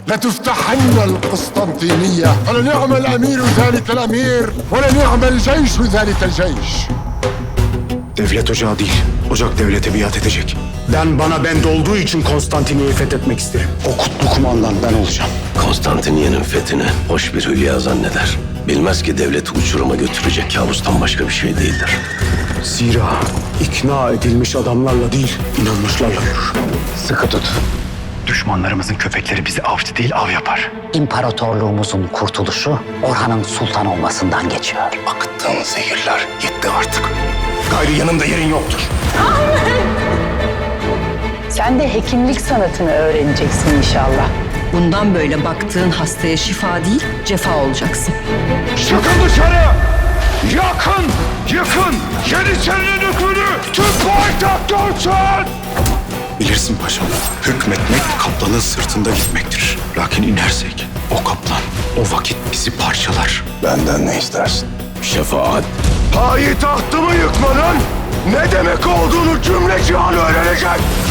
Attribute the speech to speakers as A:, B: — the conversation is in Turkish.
A: لتفتحن القسطنطينية ولنعم الأمير ذلك الأمير ولنعم الجيش ذلك الجيش.
B: Devlet ocağı değil, ocak devlete biat edecek. Bana bende olduğu için Konstantiniyye'yi fethetmek isterim. O kutlu kumandan ben olacağım.
C: Konstantiniyye'nin fethini hoş bir hülya zanneder. Bilmez ki devleti uçuruma götürecek kabustan başka bir şey değildir.
B: Zira ikna edilmiş adamlarla değil, inanmışlarla yürür.
D: Sıkı tut. Düşmanlarımızın köpekleri bizi avcı değil av yapar.
E: İmparatorluğumuzun kurtuluşu Orhan'ın sultan olmasından geçiyor.
C: Akıttığın zehirler yetti artık. Gayrı yanımda yerin yoktur.
F: Sen de hekimlik sanatını öğreneceksin inşallah.
G: Bundan böyle baktığın hastaya şifa değil, cefa olacaksın.
H: Çıkın dışarı! Yakın! Yıkın! Yeniçerinin hükmünü tüm payitaht görsün!
B: Bilirsin paşam, hükmetmek kaplanın sırtında gitmektir. Lakin inersek o kaplan o vakit bizi parçalar.
C: Benden ne istersin? Şefaat.
H: Payitahtımı yıkmanın ne demek olduğunu cümle cihan öğrenecek!